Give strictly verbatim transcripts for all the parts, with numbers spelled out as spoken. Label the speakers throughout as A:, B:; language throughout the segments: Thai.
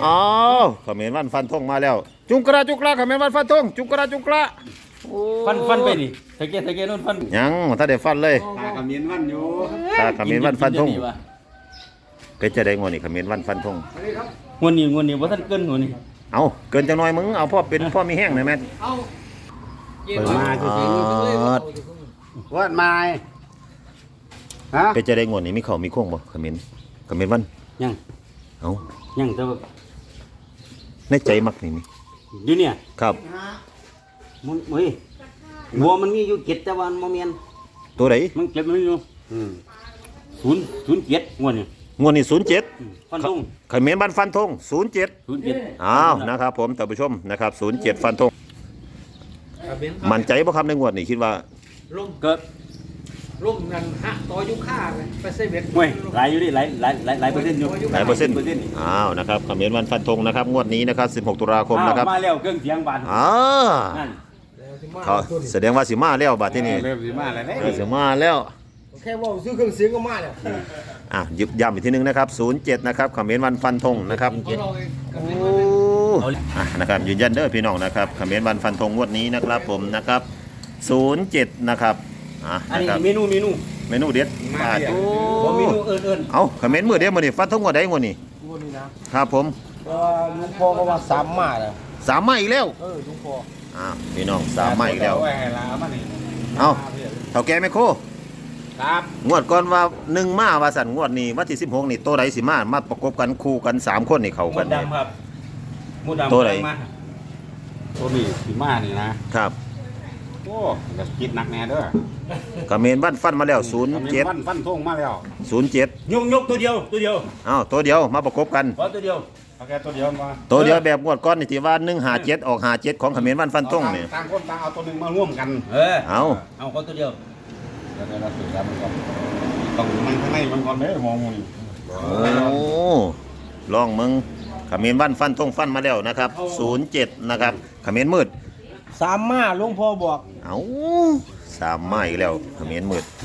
A: อ๋อเขมรวันฟันธงมาแล้วจุงกระจุกระเขมรวันฟันธงจุงกระจุกระ
B: ฟันฟันไปดิตะเกียตะเกียนู่นฟัน
A: ยังถ้าได้ฟันเลย
C: ตาเขมิ้นวันอยู่
A: ตาเขมรวันฟันธงเป็นจะได้งวนี่เขมรวันฟันธง
B: งวนี่งวนี่ว่าท่านเกินงวนี่
A: เอาเกินจังน้อยมึงเอาพ่อเป็นพ่อมีแห้งหน่อยแม่
C: เปิดมาคือว่ามาฮะ
A: เป็นจะได้งวนี่มีเข่ามีโค้งบ่เขมรเขมรวัน
B: ยัง
A: เอา
B: ยังแต่ว่า
A: ในใจมักนี่นี่
B: อยู่เนี่ย
A: ครับ
B: มันเฮ้ยวัวมันมีอยู่เจ็ดแต่ว่ามันเมียน
A: ตัวไหน
B: มันเจ็ดมันอยู่ศูนย์ศูนย์เจ็ดงวดนี่
A: งวดนี่ศูนย์เจ็ด
B: ฟันธง
A: เขมรบ้านฟันธงศูนย์เจ็ด
B: ศูนย์เจ็ด
A: อ้าวนะครับผมท่านผู้ชมนะครับศูนย์เจ็ดฟันธงมั่นใจป่ะครับในงวดนี้คิดว่า
B: ล่มเกิด
D: ล่มนั่นฮะต่อยุค่าไปเซเว่น
B: เว้ยหลายอยู่ดิหลายหลายหลายหลายเปอร์เซ็นต์อยู่
A: หลายเปอร์เซ็นต์อ้าวนะครับเขมรวันฟันธงนะครับงวดนี้นะครับสิบหกตุลาคมนะครับ
B: มาแล้วเครื่องเสียงบาน
A: อ๋อเขาแสดงว่าสิมาแล้วบัดที่นี่
C: เริ่มสิมาแล้ว
A: เนี่ยสิมาแล้ว
D: แค่ว่าซื้อเครื่องเสียงก็มาแล้ว
A: อ่ะยึบย้ำอีกทีนึงนะครับศูนย์เจ็ดนะครับเขมรวันฟันธงนะครับโอ้อ่ะนะครับยืนยันเด้อพี่น้องนะครับเขมรวันฟันธงงวดนี้นะครับผมนะครับศูนย์เจ็ดนะครับอ่ะ
B: อันนี้
A: นะครับ
B: เมนูเมนู
A: เมนูเด็ดปลาโอ้
B: เมนูเอิญเอิญ
A: เอาเขมรมือเดียวมือนี่ฟันธงงวดใดงวดนี้
D: งวดนี้
A: นะครับผม
D: ลุงพ่อก็ว่าสามมาแล้ว
A: สามมาอีกแล้ว
D: เออลุงพ่อ
A: อ่าพี่น้องสามมาอีกแล้วเอาเท่าแก่แม่โค
C: ครับ
A: งวดก่อนว่าหนึ่งมาว่าสั่นงวดนี้วันที่สิบหกนี่ตัวใดสิมามาประกบกันคู่กันสามคนนี่เข้ากัน
B: ดำครับ
A: มูดำตัวใด
C: ตัวนี้สีมานี่นะครับโอ้ก็คิดหนักแน่เด้อ
A: เขมรบ้านฟันมาแล้วศูนย์เจ็ด
C: ฟันฟันทงมาแล้ว
A: ศูนย์เจ็ด
B: ยกยกตัวเดียวตัวเดียว
A: อ้าวตัวเดียวมาประกบกัน
B: ตัวเดียว
C: เอาแค่ตัวเดียวมา
A: ตัวเดียวแบบงวดก้อนนี่ที่ว่าหนึ่งหาเจ็ดออกหาเจ็ดของเขมรบ้านฟันทงเนี่ย
C: ต่างคนต่างเอาตัวหนึ่งมาร่วมกัน
B: เออ
A: เอา
B: เอาก็ตัวเดียว
C: แล้วเราสื่อสารมันก่อนต้องมันข้างในมันก่อนเลยมองมึง
A: โอ้ลองมึงเขมรบ้านฟันทงฟันมาแล้วนะครับศูนย์เจ็ดนะครับเขมรมืด
D: สามมาลุงพ่อบอก
A: เอาสามมาอีกแล้วเขมรมืด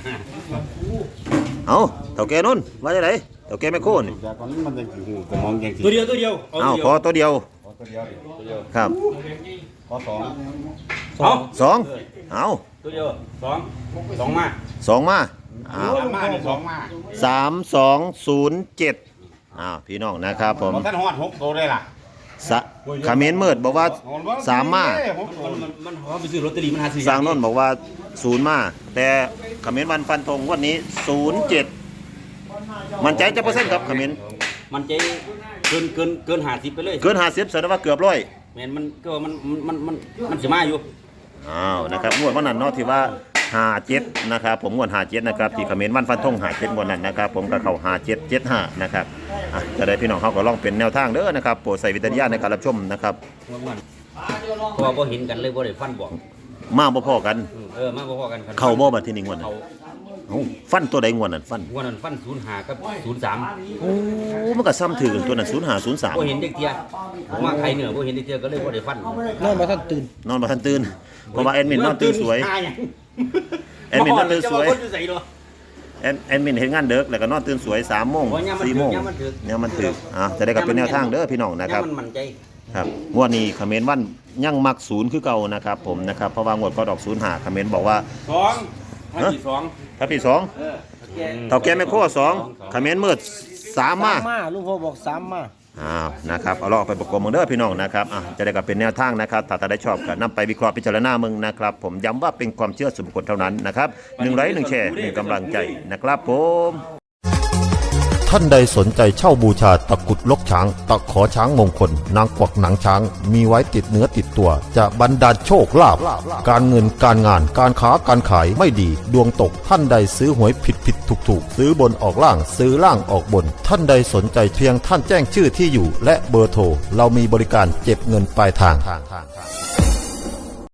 A: เอาเท่าแก่นุ่นว่าจะไหนเท่าแก่แม่โค่นี่
B: ตัวเดียวตัวเดียว
A: เอาพอตัวเดียวครับ
C: พอสอง
A: สองสองเอา
B: ตัวเดียวสองสองมา
A: สองมา
C: สามมาสองมา
A: สามสองศูนย์เจ็ดอ้าวพี่น้องนะครับผม
C: ท่านฮอดหกตัวได้ล่ะ
A: เขมรมืดบอกว่าสามมา
B: มันหอไปซื้อลอตเตอรี่มันหาซื้อ
A: สร้างนนบอกว่าศูนย์มาแต่เขมรวันฟันธงวันนี้ศูนย์เจ็ดมันใจจะเปอร์เซ็นต์ครับเขมร
B: มันใจเกินเกินเกินห้าสิบไปเลย
A: เกินห้าสิบแสดงว่าเกือบร้อย
B: แมนมันก็มันมันมันมันจะมาอยู่
A: อ้าวนะครับงวดวันนั้นเนาะที่ว่าห้าเจ็ดนะครับผมงวดห้าเจ็ดนะครับที่เขมรวันฟันธงห้าเจ็ดงวดนั้นนะครับผมก็เข้าห้าเจ็ดเจ็ดห้านะครับจะได้พี่น้องเขาก็ลองเป็นแนวทางเด้อนะครับโปรดใส่วิจารณญาณในการรับชมนะครับ
B: เพราะว่าพอเห็นกันเลยบ่ได้ฟันบอก
A: มาบ่พอกัน
B: เออมาบ่พอกัน
A: เข้าบ่บัดที่นี่งวดนั้นฟันตัวใดงวดนั้นฟัน
B: งวดนั้นฟันศูนย์ห้ากับศูนย์สาม
A: โอ้มันก็ซ้ำถือกันตัวนั้นศูนย์ห้าศูนย์สาม
B: บ่เห็นเด็กเตี้ยมาใครเหนือบ่เห็นเด็กเตี้ยก็เลยบ่ได้ฟัน
D: นอนมาทันตื่น
A: นอนมาทันตื่นเพราะว่าแอดมินนอนตื่นสวยแอดมินนอนตื่นสวยแอดแอดมินเห็นงานเด็กแล้วก็นอนตื่นสวยสามโมงสี่โมงเนี่ยมันถืออ่ะจะได้กับเป็นแนวทางเด้อพี่น้องนะครับครับงวดนี้เขมรวันยังมักศูนย์คือเก่านะครับผมนะครับเพราะว่างวดก็ดอกศูนย์หาเขมรบอกว่า
B: สองถ้าปีสอง
A: ถ้าปีสองเท่าแก่แม่โคสองเขมรมืดสามมา
D: ลุงพ่อบอกสามมา
A: อ้าวนะครับเอาลองไปประกอบมึงเด้อพี่น้องนะครับอ่ะจะได้กับเป็นแนวทางนะครับถ้าถ้าได้ชอบก็นำไปวิเคราะห์พิจารณามึงนะครับผมย้ำว่าเป็นความเชื่อส่วนบุคคลเท่านั้นนะครับหนึ่งไลค์หนึ่งแชร์หนึ่งกำลังใจนะครับผมท่านใดสนใจเช่าบูชาตะกุดลกช้างตะขอช้างมงคลนางกวักหนังช้างมีไว้ติดเนื้อติดตัวจะบรรดาลโชคลาภการเงินการงานการค้าการขายไม่ดีดวงตกท่านใดซื้อหวยผิดผิดถูกถูกซื้อบนออกล่างซื้อล่างออกบนท่านใดสนใจเพียงท่านแจ้งชื่อที่อยู่และเบอร์โทรเรามีบริการเก็บเงินปลายทาง